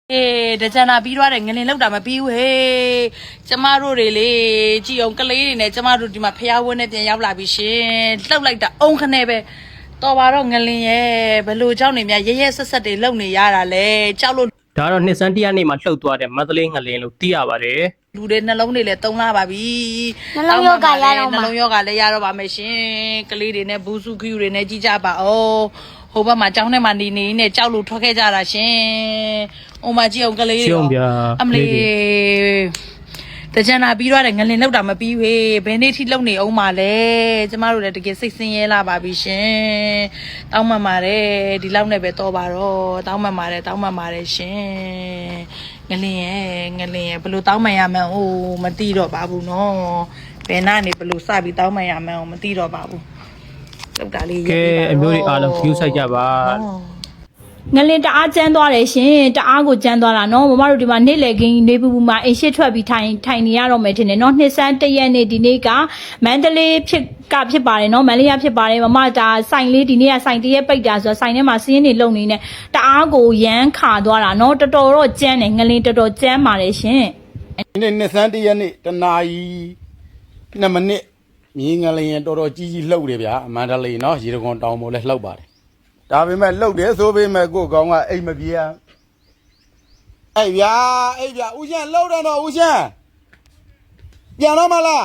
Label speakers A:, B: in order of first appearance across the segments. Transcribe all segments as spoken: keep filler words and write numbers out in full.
A: အေးတကြံနာပြီးသွားတယ်ငလင်လောက်တာမပြီးဘူးဟေးကျမတို့တွေလေကြည်အောင်ကလေးတွေနဲ့ကျမတို့ဒီမှာဖျားဝန်းနဲ့ပြန်ရောက်လာပြီရှင်လှုပ်လိုက်တာအုံခနဲ့ပဲတော်ပါတော့ငလင်ရဲ့ဘလို့เจ้าနေများရဲရဲဆက်ဆက်တွေလုံနေရတာလေကြောက်လို့
B: ဒါတော့နှစ်စန်းတရားနေမှာလှုပ်သွားတယ်မန္တလေးငလင်လို့သိရပါတယ်
A: လူတွေနှလုံးတွေလည်းတုံးလာပါပြီ
C: နှလုံးရောဂါရတော့မှာ
A: နှလုံးရောဂါလည်းရတော့ပါမယ်ရှင်ကလေးတွေနဲ့ဘူးစုခူတွေနဲ့ကြီးကြပါအောင်ဟိုဘက်မှာကျောင်းထဲမှာနေနေနဲ့ကြောက်လို့ထွက်ခဲ့ကြတာရှင်။အိုမကြီးအောင်ကလေးတွေအမလေးတကြံနာပြီးတော့ငလင်လောက်တာမပြီးဝေးဘယ်နေ့ထိလုံနေအောင်မလဲကျမတို့လည်းတကယ်စိတ်ဆင်းရဲလာပါပြီရှင်။တောင်းမှန်ပါတယ်ဒီလောက်နဲ့ပဲတော့ပါတော့တောင်းမှန်ပါတယ်တောင်းမှန်ပါတယ်ရှင်။ငလင်ရဲ့ငလင်ရဲ့ဘယ်လိုတောင်းမှန်ရမှန်းအိုးမသိတော့ပါဘူးနော်။ဘယ်နာနေဘယ်လိုစပြီးတောင်းမှန်ရမှန်းမသိတော့ပါဘူး။လောက်တာလေး
B: ကဲအမျိုးတွေအားလုံး view ဆိုင်ကြပါ
C: ငလင်တအားကျန်းသွားတယ်ရှင်တအားကိုကျန်းသွားတာနော်မမတို့ဒီမှာနေ့လေကင်းနေပူပူမှာအိမ်ရှိထွက်ပြီးထိုင်ထိုင်နေရတော့မယ်ထင်တယ်နော်နှစ်ဆန်းတရက်နေ့ဒီနေ့ကမန္တလေးဖြစ်ကဖြစ်ပါတယ်နော်မန္တလေးဖြစ်ပါတယ်မမဒါဆိုင်လေးဒီနေ့ကဆိုင်တရက်ပိတ်တာဆိုတော့ဆိုင်ထဲမှာစီးရင်နေလုံနေနဲ့တအားကိုရမ်းခါသွားတာနော်တော်တော်တော့ကျန်းတယ်ငလင်တော်တော်ကျန်းပါတယ်ရှင်
D: ဒီနေ့နှစ်ဆန်းတရက်နေ့တနာရီနှစ်မိနစ်မြေငလျင်တော်တော်ကြီးကြီးလှုပ်တယ်ဗျာမန္တလေးနော်ရေတံခွန်တောင်ပေါ်လဲလှုပ်ပါတယ်ဒါပေမဲ့လှုပ်တယ်ဆိုပေမဲ့ကိုယ်ကောင်ကအိမ်မပြေအောင်အဲ့ဗျာအဲ့ဗျာဦးရှန်လှုပ်တယ်တော့ဦးရှန်ပြန်တော့မလား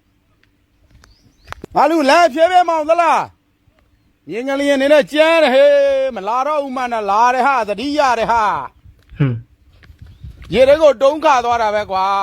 D: ငါလူလဲဖြဲဖြဲမောင်သလားမြေငလျင်နေနဲ့ကျန်းတယ်ဟေးမလာတော့ဦးမနဲ့လာတယ်ဟာသတိရတယ်ဟာ
B: ဟွန်း
D: ရေတွေကိုတုံးခါသွားတာပဲကွာ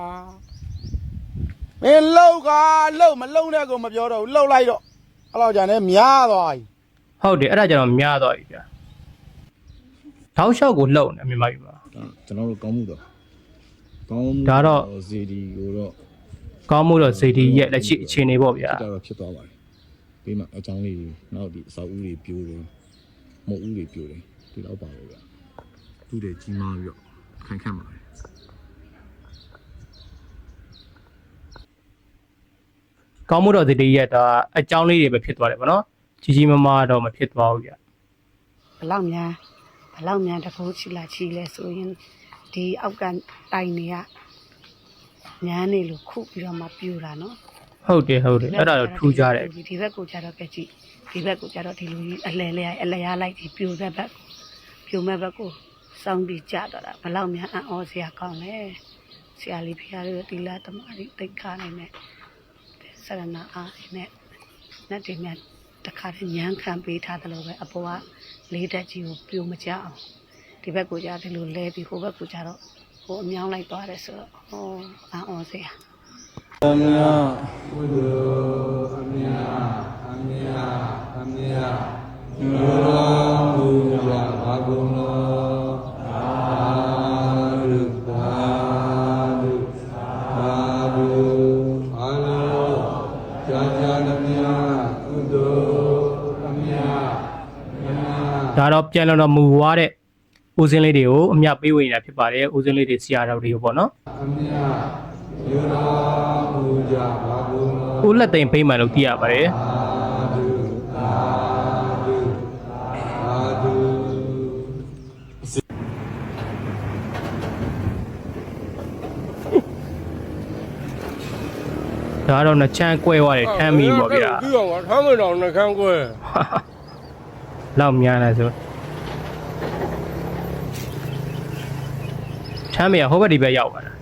D: မင်းလှုပ်ကလှုပ်မလှုပ်တဲ့ကိုမပြောတော့ဘူးလှုပ်လိုက်တော့အဲ့လောက်ကြာနေများသွားပြီ
B: ဟုတ်တယ်အဲ့ဒါကြတော့များသွားပြီဗျာထောက်လျှောက်ကိုလှုပ်နေမြန်မာပြည်မှာ
E: ကျွန်တော်တို့ကောင်းမှုတော့ကောင်းမှု
B: ဒါတော့
E: ဇေဒီကိုတော့
B: ကောင်းမှုတော့ဇေဒီရဲ့လက်ရှိအခြေအနေပေါ့ဗျာ
E: ဒါတော့ဖြစ်သွားပါတယ်ပြီးမှအကြောင်းလေးနောက်ဒီအစာဦးတွေပြိုးတယ်မုတ်ဦးတွေပြိုးတယ်ဒီတော့ပါလို့ဗျာသူ့တွေကြီးမားပြီးတော့ခိုင်ခန့်ပါတယ်
B: ကောင်းမှုတော့ဇေဒီရဲ့ဒါအကြောင်းလေးတွေပဲဖြစ်သွားတယ်ဗောနော်ကြီးကြီးမားမားတော့မဖြစ်သွားဘူးဗျ
F: ဘလောက်များဘလောက်များတကူချီလာချီလဲဆိုရင်ဒီအောက်ကတိုင်တွေကညာနေလို့ခုပြီးတော့မှပြူတာနော်
B: ဟုတ်တယ်ဟုတ်တယ်အဲ့ဒါတော့ထူးကြတယ်
F: ဒီဘက်ကိုကြတော့ကြည့်ဒီဘက်ကိုကြတော့ဒီလိုကြီးအလဲလဲအလဲရလိုက်ဒီပြူတဲ့ဘက်ပြူမဲ့ဘက်ကိုစောင်းပြီးကြတော့တာဘလောက်များအံ့ဩစရာကောင်းလဲဆရာလေးဖျားလေးတီလာတမာရီတိတ်ခါနေနဲ့ဆရဏအားနဲ့နဲ့ဒီမြတ်တခါတည်းညမ်းခံပေးထားတယ်လို့ပဲအပေါ်ကလေးတက်ကြီးကိုပြိုမကြအောင်ဒီဘက်ကိုကြားဒီလိုလဲပြီးဟိုဘက်ကိုကြားတော့ဟိုအမြောင်းလိုက်သွားတယ်ဆိုတော့ဟောအာအော်စရာ
D: အမြာဘုဒ္ဓအမြာအမြာအမြာညောဘုရားဘာဂုဏာအာရုပါဒုသာဓုအာလောကြာကြာနမြာကုသိုလ်အမြာ
B: ဒါတော့ပြန်တော့မူွားတဲ့ဦးစင်းလေးတွေကိုအမြပေးဝင်နေတာဖြစ်ပါတယ်ဦးစင်းလေးတွေဆရာတော်တွေကိုပေါ့နော်
D: အမြယောရာပူဇာဘာဂုဏ
B: ဦးလက်သိမ်ဖိမှန်လို့သိရပါတယ်ဒါတော့နှချမ်းကွဲသွားတယ်ထမ်းမိပေါ့ဗျာ
D: ပြီးတော့ထမ်းမတော်နှချမ်းကွဲ
B: လောက်များလားဆိုချမ်းမရဟိုဘက်ဒီဘက်ရောက်ပါလား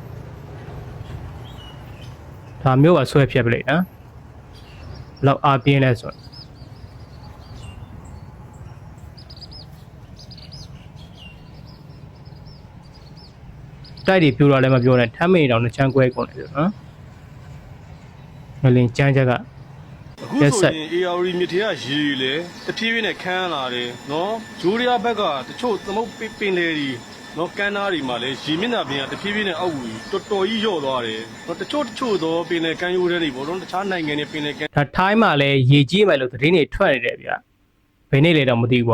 B: ဒါမျိုးပါဆွဲဖြတ်ပလိုက်နော်လောက်အားပြင်းလဲဆိုတိုက်တွေပြူတော့လည်းမပြောနဲ့ထမ်းမရတော့နှချမ်းကွဲကုန်တယ်ဆိုနော်ငလင်ကျန်းချက်က
G: အခုဆိုရင် A R D မြစ်ထဲကရေလေတဖြည်းဖြည်းနဲ့ခန်းလာတယ်နော်ဂျိုးရီယာဘက်ကတချို့သမုတ်ပင်လေတွေနော်ကန်းသားတွေမှာလည်းရေမျက်နှာပြင်ကတဖြည်းဖြည်းနဲ့အောက်ဝီတော်တော်ကြီးလျော့သွားတယ်နော်တချို့တချို့သောပင်လေကန်းရိုးတွေပေါ့နော်တခြားနိုင်ငံတွေပင်လေကန်း
B: ဒါထိုင်းမှာလည်းရေကြီးမယ်လို့သတင်းတွေထွက်နေတယ်ဗျဘယ်နေ့လဲတော့မသိဘူးပေါ့နော်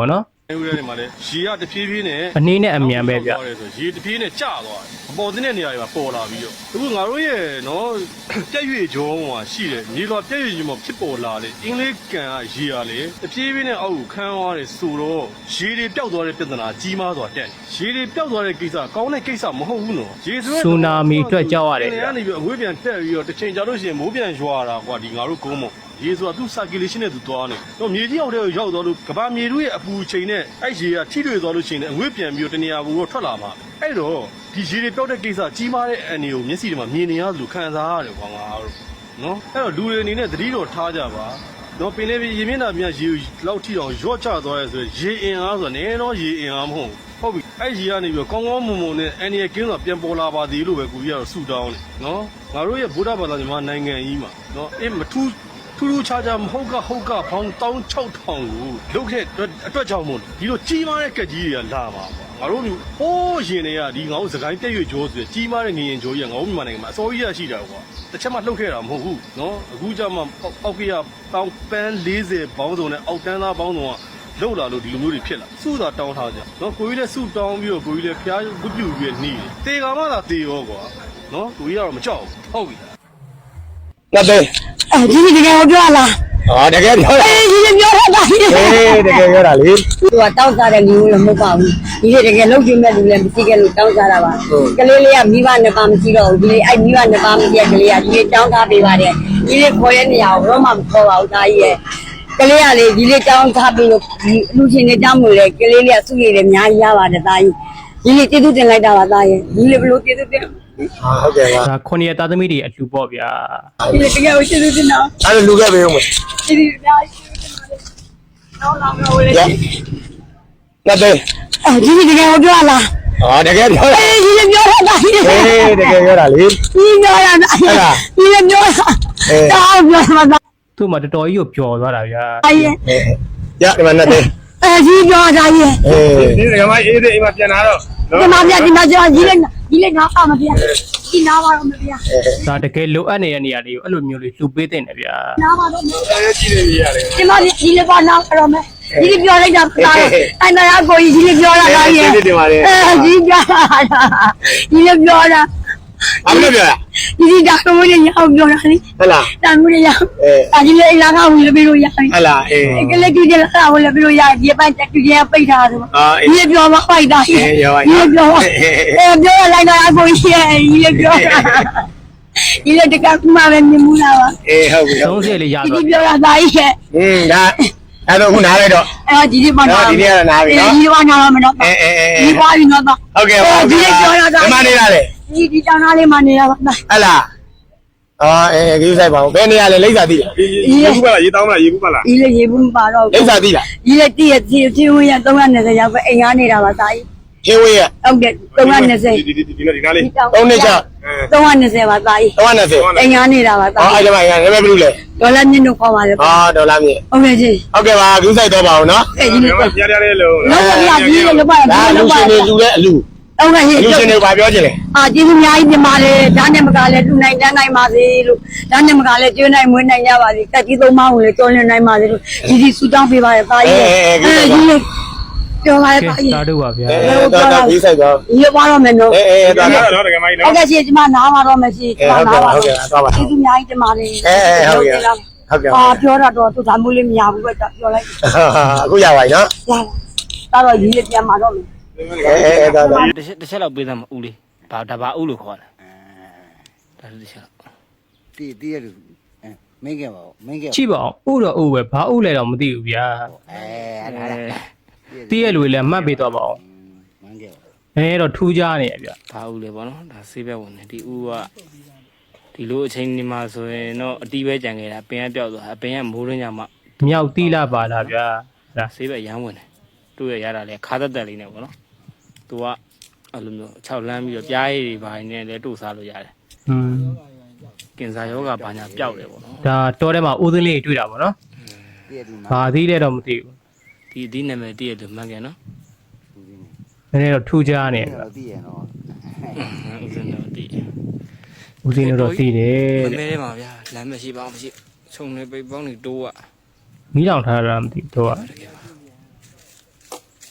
G: ဦးရဲနေမှာလေရေကတဖြည်းဖြည်းနဲ့
B: အနေနဲ့အမြန်ပဲဗျ
G: ရေတဖြည်းနဲ့ကျသွားတယ်အပေါ်တဲ့နေရာတွေမှာပေါ်လာပြီးတော့အခုငါတို့ရဲ့နော်ပြည့်ရွေကြောဟိုမှာရှိတယ်မြေတော်ပြည့်ရွေကြီးမှာဖြစ်ပေါ်လာတယ်အင်္ဂလိပ်ကန်ကရေရလေတဖြည်းဖြည်းနဲ့အောက်ကိုခန်းသွားတယ်ဆိုတော့ရေတွေပျောက်သွားတဲ့ပြဿနာကြီးမားစွာတက်ရေတွေပျောက်သွားတဲ့ကိစ္စကောင်းတဲ့ကိစ္စမဟုတ်ဘူးနော်ရေဆို
B: ဆူနာမီအတွက်ကြောက်ရတယ်
G: နေ
B: ဗျ
G: ရာနေပြီးအငွေးပြန်တက်ပြီးတော့တစ်ချိန်ကြာလို့ရှိရင်မိုးပြန်ရွာတာကွာဒီငါတို့ကုန်းမရေဆိုတာသူ circulation နဲ့သူသွားနေတော့မြေကြီးအောက်ထဲကိုရောက်သွားလို့ကဘာမြေတို့ရဲ့အပူချိန်နဲ့အဲ့ရေကထိတွေ့သွားလို့ရှိရင်အငွေးပြန်ပြီးတော့တနေရာဘူတော့ထွက်လာမှာအဲ့တော့ဒီရေတွေပျောက်တဲ့ကိစ္စကြီးမားတဲ့အန်ဒီကိုမျက်စိတွေမှာမြင်နေရလို့ခံစားရတယ်ကွာငါတို့နော်အဲ့တော့လူတွေအနေနဲ့သတိတော်ထားကြပါတော့ပင်လေးရေမျက်နှာပြန်ရေလောက်ထိအောင်ရော့ချသွားရဲဆိုရင်ရေအင်အားဆိုတာနည်းတော့ရေအင်အားမဟုတ်ဟုတ်ပြီအဲ့ရေကနေပြီးတော့ကောင်းကောင်းမွန်မွန်နဲ့အန်ဒီရဲ့ကင်းဆိုတာပြန်ပေါ်လာပါသေးလို့ပဲကိုကြီးကတော့ဆူတောင်းတယ်နော်ငါတို့ရဲ့ဗုဒ္ဓဘာသာမြန်မာနိုင်ငံကြီးမှာနော်အေးမထူးထူးထူးခြားခြားမဟုတ်ကဟုတ်ကဖောင်းတောင်း၆ထောင်ကိုလုတ်ခဲ့အတွက်ကြောင့်မို့ဒီလိုကြီးမားတဲ့ကက်ကြီးတွေကလာမှာပေါ့ငါတို့လူဟိုးရင်တွေကဒီငါတို့စကိုင်းပြည့်ရွကျော်ဆိုကြီးမားတဲ့ငရင်ကျော်ကြီးကငါတို့မြန်မာနိုင်ငံမှာအစောကြီးရရှိတာကွာတစ်ချက်မှလှုပ်ခဲ့တာမဟုတ်ဘူးနော်အခုကျမှအောက်ကရတောင်းပန်း၄၀ဘောင်းစုံနဲ့အောက်တန်းသားဘောင်းစုံကလောက်လာလို့ဒီလိုမျိုးတွေဖြစ်လာစုသာတောင်းထားကြနော်ကိုကြီးလည်းစုတောင်းပြီးတော့ကိုကြီးလည်းဖျားဝတ်ပြူပြီးနှီးတယ်တေကမှသာတေရောကွာနော်ကိုကြီးကတော့မကြောက်ဘူးဟုတ်ပြီ
H: 那对，
F: အဲဒီဒီကပြောလား
H: 啊，这个漂亮，
F: အေးဒီပြောတာဒါကြီး
H: 哎，这个漂亮哩，
F: သူကတောင်းစားတဲ့လူလည်းမဟုတ်ပါဘူးဒီလေတကယ်လုံးကျင်းမဲ့လူလည်းမရှိခဲ့လို့တောင်းစားတာပါကလေးလေးကမိဘနှစ်ပါးမရှိတော့ဘူးဒီလေအဲ့မိဘနှစ်ပါးမရှိတဲ့ကလေးကဒီလေတောင်းစားပေးပါတယ်ဒီလေခေါ်ရနေရအောင်တော့မှမခေါ်ပါဘူးဒါကြီးရဲ့ကလေးကလေဒီလေတောင်းစားပြီးလို့ဒီလူချင်းတွေတောင်းလို့လေကလေးလေးကစုရည်လည်းအများကြီးရပါတယ်ဒါကြီးဒီလေကျေးဇူးတင်လိုက်တာပါဒါရဲ့ဒီလေဘလို့ကျေးဇူးတင်
H: 啊，好嘅啦，
B: ဒါခုနှစ်သားသမီးတွေအလှူပေါ့ဗျာ
F: ဒီလေတကယ်ကိုကျေးဇူးတင်တော့
H: 俺是录个没用没？
F: ဒီဒီအများကြီးကျေးဇူးတင်ပါတယ်နောက်နောက်တော့လေ
H: 呀，那对，
F: အဲဒီဒီကပြောလား
H: 啊，这个漂亮，
F: အေးဒီပြောတာဒါကြီး
H: 哎，这个漂亮哩，
F: ဒီပြောတာဒါကြီးဒီပြောတာတောင်းပြောတာဒါ
B: သူ့မှာတော်တော်ကြီးကိုပျော်သွားတာဗျာ
F: ကြီး
H: 哎，呀，你们那对，
F: အဲဒီပြောတာကြီး
H: 哎，
E: ဒီကမှအေးသေးအိမ်မှာပြန်လာတော့
F: ဒီမှာပြဒီမှာကျော်ကြီးလေးကြီးလေးနားပါမပြဒီနားပါတော့မပြ
B: ဒါတကယ်လိုအပ်နေတဲ့နေရာလေးကိုအဲ့လိုမျိုးလေးလှူပေးတဲ့နေဗျာ
F: နားပါတော့
E: အဲကြည့်နေရတယ်
F: ဒီမှာကြီးလေးပါနားတော့မယ်ဒီပြောလိုက်တာဒါအဲ့နားကိုကြီးလေးပြောတာဒါကြီးအဲဒီပြောတာကြီးလေးပြောတာ
H: 俺们那边，
F: ဒီဒီဒါကမင်းရအောင်ပြောတာလေ
H: 好啦，
F: တာမင်းရ
H: 哎，
F: အကြီးလေးလာကဝင်ပြီးလို့ရပြီ
H: 好啦，哎，
F: ကလေးကြီးလာကဝင်ပြီးလို့ရဒီပိုင်းတက်ကြီးပိတ်ထားတယ်
H: 啊，哎，
F: ဒီပြောမပိုက်တာဒီပြောအဲပြောလိုက်တော့အကိုရှိရဲ့ဒီပြောဒီလေတကကမှပဲမြင်မှုလားပါ
H: 哎，好不
B: သုံး
H: 了，
B: ဆယ်လေးရ
F: ဒီ
B: သွား
F: ပြောတာသားကြီးရဲ့
H: 嗯，那，俺都不拿来着，
F: အဲဒီဒီမှာ
H: 啊，今天拿来
F: ဒီ
H: 着，
F: ဒီမှာနာမတော့
H: 哎哎哎
F: ဒီ
H: 哎，
F: ပါပြီးတော့
H: 好嘅，好嘅，你妈你哪里？
F: ဒီဒီတောင်းသားလေးမှနေတာပါ
H: ဟလာအော်အဲကိစ္စဆိုင်ပါဦးဘယ်နေရာလဲလိမ့်စာသိလား
E: ရေဘူးပါလားရေတောင်းမလားရေဘူးပါလား
F: ဒီလေရေဘူးမပါတော့
H: လိမ့်စာသိလား
F: ဒီလေတည့်ရတည့်တည့်ဝင်ရသုံးရနေစရောက်ပဲအိမ်ကားနေတာပါသားကြီး
H: ဟင်းဝေးရ
F: ဟုတ်တယ်သုံးရနေစ
E: ဒီဒီဒီဒီနားလေး
H: သုံးနှစ်ချ
F: သုံးရနေစပါသားကြီး
H: သုံးရနဲ့စေ
F: အိမ်ကားနေတာပါသား
H: အော်အဲ့ဒီမှာငါလည်းဘယ်လိုလဲ
F: ဒေါ်လာမြင့်တို့ခေါ်ပါလေ
H: အော်ဒေါ်လာမြေ
F: ဟုတ်ကဲ့ကြီး
H: ဟုတ်ကဲ့ပါကိစ္စဆိုင်တော့ပါအောင်နော်
F: အဲ့ဒီလေ
E: ပြရရလေးလို့
F: လောက်ပါပြကြီးလေလောက်ပါ
H: ဒါလူရှင်တွေလူတဲ့အလူ
F: ဟုတ်ကဲ့ကြီး
H: လူရှင်တွေဘာပြောချင်လဲ
F: အာကျေးဇူးအများကြီးတင်ပါတယ်ဒါနဲ့မကလည်းတူနိုင်တန်းနိုင်ပါစေလို့ဒါနဲ့မကလည်းကျွေးနိုင်မွေးနိုင်ကြပါစေတက်ကြီးသုံးပါးကိုလည်းတော်လင်းနိုင်ပါစေလို့ဒီဒီဆူတောင်းပေးပါရသားကြီးအဲဒီလေပြောပါရ
B: ကဲ
F: သားကြီး
B: တာတို့ပါဗျာ
H: အဲတော့တော့ကိစ္စဆိုင်တော့
F: ရပါတော့မယ်နော်
H: အဲအဲ
E: ဒါ
H: တော့
E: တော့တကယ်မိုင်း
F: ဟုတ်
E: နော်
F: ကဲ့ရှင်ကျမနားပါတော့မယ်ရှင်ကျမနားပါ
H: ဟုတ်ကဲ့ဟုတ်ကဲ့သွားပါ
F: ကျေးဇူးအများကြီးတင်ပါတယ်
H: အဲအဲဟုတ်ကဲ့ဟုတ်ကဲ့
F: အာပြောတာတော့သူဒါမျိုးလေးမရဘူးပဲပြောလိုက်
H: အခုရပါပြီနော်
F: ရတာတော့ဒီလေးပြန်มาတော့မယ်
H: အဲအဲတော့တော့
I: တစ်ချက်တစ်ချက်လောက်ပေးသမ်းမဦးလေးဘာဒါဘာဦးလို့ခေါ်တယ်ဒါတစ်ချက်လောက်
J: တီးတီးရလူမင်းကပါမင်းက
B: ကြည့်ပါအောင်ဥတော့ဥပဲဘာဥလဲတော့မသိဘူးဗျာ
J: အဲအဲ့ဒါ
B: တည့်ရလူတွေလည်းမှတ်ပေးတော့ပါအောင်
J: မင်းကပါ
B: အဲတော့ထူးကြနေရဗျာ
I: ဘာဦးလဲပေါ့နော်ဒါဆေးဘက်ဝင်တယ်ဒီဦးကဒီလိုအချိန်ဒီမှာဆိုရင်တော့အတီးပဲကြံခဲ့တာပင်ကပြောက်သွားအပင်ကမိုးရင်းညမှာ
B: မြောက်တီးလာပါလားဗျာဒါ
I: ဆေးဘက်ရမ်းဝင်တယ်သူ့ရရတာလေခါသက်သက်လေးနဲ့ပေါ့နော်သူကအဲ့လိုမျိုး၆လမ်းပြီးတော့ပြားရည်တွေဘာနေလဲတို့စားလို့ရတယ်
B: อืม
I: ကင်ဆာယောဂဘာညာပျောက်တယ်ပေါ့နော်
B: ဒါတော့ထဲမှာဦးသိန်းလေးတွေ့တာပေါ့နော်
J: တီးရလူနာ
B: ဘာသီးလဲတော့မသိဘူး
I: ဒီဒီနာမည်တည့်ရတယ်မှန်ကန်နော်
B: နည်းနည်းတော့ထူးကြနေဗျာ
J: တီးရနော်
I: ဦးစင်းတော့တည့်
B: ဦးသိန်းတို့တော့သိတယ်
I: မ
B: တဲ့
I: မဲထဲမှာဗျာလမ်းမရှိပါအောင်မရှိခြုံနေပိတ်ပေါင်းနေတိုးอ่ะ
B: မီးလောင်ထားတာမသိတော့
I: တကယ်ပါ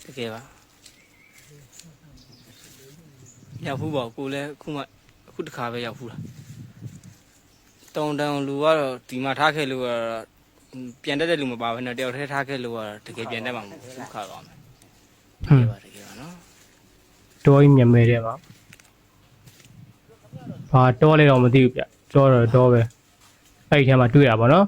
I: ကယ်ပါရောက်ဘူးပေါ့ကိုလည်းအခုမှအခုတစ်ခါပဲရောက်ဘူးလားတောင်တန်းလူကတော့ဒီမှာထားခဲ့လို့ကတော့ပြန်တက်တဲ့လူမပါဘဲနဲ့တယောက်တည်းထားခဲ့လို့ကတော့တကယ်ပြန်တက်မှာမဟုတ်ဘူးခါတော့မယ်တကယ်ပါတကယ်ပါနော်
B: တောကြီးမြမဲတဲ့ပါဘာတောလဲတော့မသိဘူးဗျကြောတော့တောပဲအဲ့ဒီထဲမှာတွေ့ရပါတော့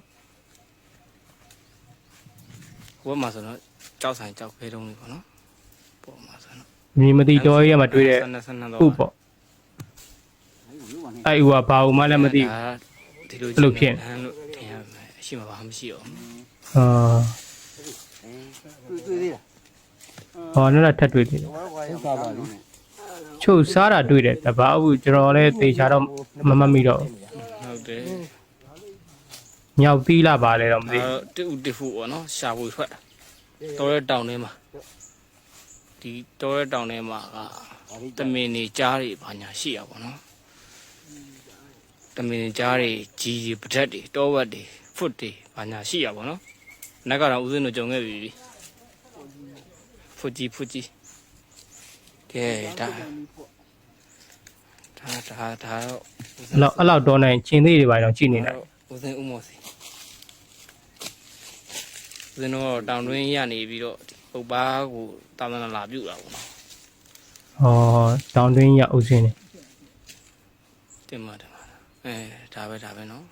I: ဟိုဘက်မှာဆိုတော့ကြောက်ဆိုင်ကြောက်ခဲတုံးလေးပေါ့နော်ပေါ်မှာဆိုတော့
B: မြင်မသိတောကြီးထဲမှာတွေ့တဲ့
I: ဆန်းဆန်းတော့
B: ဥပေါ့အဲ့ဥကဘာဥမှလည်းမသိဘူး
I: ဒီလို
B: အဲ့လိုဖြစ်
I: ဟန်လို့ထင်ရမယ်အရှိမပါမရှိတော့
B: အာ
J: တွေ့တွေ့သေးလား
B: ဟောနောက်ထပ်တွေ့သေးတယ်
J: ဟုတ်ပါပါလိမ့်
B: ချုပ်စားတာတွေ့တယ်တဘာဘူးကျွန်တော်လည်းသေချာတော့မမမိတော့
I: ဟုတ်တယ်
B: ညောက်သီးလာပါလေတော့မသိ
I: အဲတူတူဖူပေါ့နော်ရှာဖွေထွက်တော်ရဲတောင်ထဲမှာဒီတော်ရဲတောင်ထဲမှာကတမင်နေကြားတွေဘာညာရှိရပါတော့တမင်နေကြားတွေကြီးကြီးပဒတ်တွေတောဝက်တွေဖွတ်တွေဘာညာရှိရပါတော့နက်ကတော့ဦးစင်းတို့ကြုံခဲ့ပြီဖွတ်ကြီးဖွတ်ကြီးကဲဒါဒါဒါဒါတော့
B: အဲ့လောက်အဲ့လောက်တော့နိုင်ချင်းသေးတွေပါတော့ကြည့်နေလိုက်
I: ဦးစင်းဦးမော်စီဦးစင်းတို့တောင်တွင်းရနေပြီးတော့ပုပ်ပါကိုတာမန်လာပြုတ်တာပေါ့နော်
B: ဟောတောင်တွင်းရအုပ်စင်းနေ
I: တင်ပါတင်ပါအဲဒါပဲဒါပဲနော်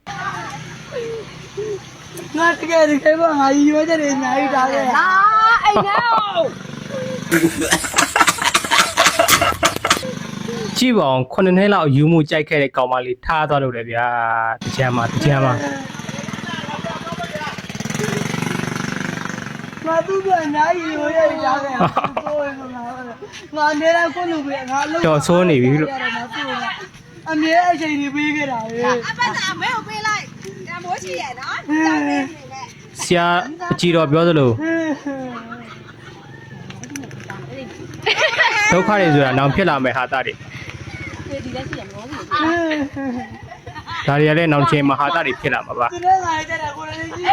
F: ငါတကယ်တကယ်ပါငါရွေးတဲ့နေနိုင်တာလေဟာအိမ်နော
B: ကြည့်ပါအောင်ခုနှစ်နှစ်လောက်ယူမှုကြိုက်ခဲ့တဲ့ကောင်မလေးထားသွားလို့လေဗျာတကြမ်းမှာတကြမ်းမှာ
F: ငါသူ့ကအနားကြီးရွေးရတာလေကိုယ်ကငါငါနေတော့ကိုလူပဲငါလုံး
B: တော်ဆိုးနေပြီလို့
F: အမြဲအချိန်ကြီးပေးခဲ့တာလေ
K: အပတ်တာမဲကိုပေးလိုက်တမိုးရှိရဲ့နော်ကြောက်နေနေနဲ့
B: ဆရာကြည်တော်ပြောသလိုဒုက္ခတွေဆိုတာနောင်ဖြစ်လာမယ်ဟာတာတွေဒါတွေကလည်းနောင်ချင်းမှာဟာတာတွေဖြစ်လာမှာပါ
F: သူလည်းငါတဲ့တာကိုလည်းကြည့်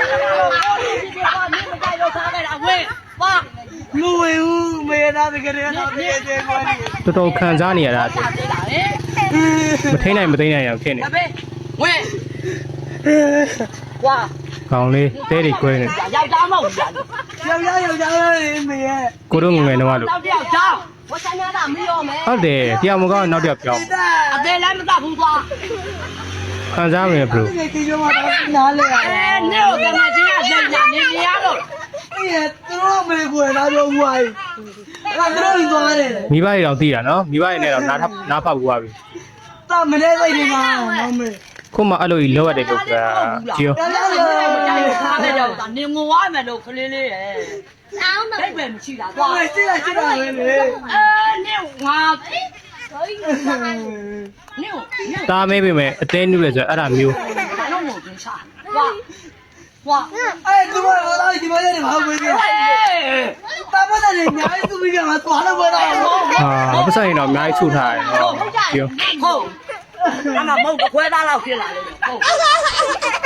F: လူဝေဦးမေနာတကယ်တော့တကယ်ကျေကွာ
B: တော်တော်ခံစားနေရတာတဲ့မထိနိုင်မသိနိုင်အောင်ဖြစ်နေဝဲဝါကောင်းလေးတဲတွေကွဲနေ
F: ယောက်ျားမဟုတ်ဘူးယောက်ျားယောက်ျားလေးမေရဲ့
B: ကိုတို့ငငယ်တော့လို့
K: နောက်တစ်ယောက်ကြောင်းဝဆန်းရတာမရောမဲ
B: ဟုတ်တယ်တရားမကောင်းနောက်တစ်ယောက်ပြောင်း
K: အသေးလည်းမတတ်ဘူးကွာ
B: ခံစားမယ်ဘလို့
F: ဒီကိစ္စမှာတော့နားလဲရတယ်
K: အဲနေကိုကမကြီးကစိတ်ညာနေနေရလို့
F: အေးသူတို့မေကိုလာတော့ဝိုင်းအဲ့ဒါသူတို့သွားတယ်
B: မိဘတွေတော့သိတာနော်မိဘတွေနဲ့တော့နားနားဖောက်ဘူးပါပြီ
F: တာမနေစိတ်ဒီမှာနော်မေ
B: ခုမှအဲ့လိုကြီးလောက်ရတယ်လို့ကကြည့်ရော
F: တော်တော်လေး
K: မကြိုက်ဘူးခါတဲ့တော့နေငိုရမယ်လို့ခလေးလေးရဲ့အောင်းမဘိတ်ပဲမရှိတာကွာ
F: ဟိုကြည့်လိုက်ကြည့်လိုက်လေ
K: အဲနေငါနေနေ
B: တားမဲပေမဲ့အသေးနုလဲဆိုအဲ့ဒါမျိုး
K: ဘာလို့မို့ပြန်စားဝါဝါ
F: အဲ့ဒီမှာတော့ဒီမှာနေမှာဝေးတယ်တာမတဲ့ညာသူပြီးကမှသွားလို့မရဘူး
B: ဟာပတ်စံရင်တော့အများကြီးထုတ်ထားတယ်နော်ကြည့်ရော
K: ဟုတ်အမမဟုတ်ခွဲသားလောက်ဖြစ်လာတယ်ဟုတ်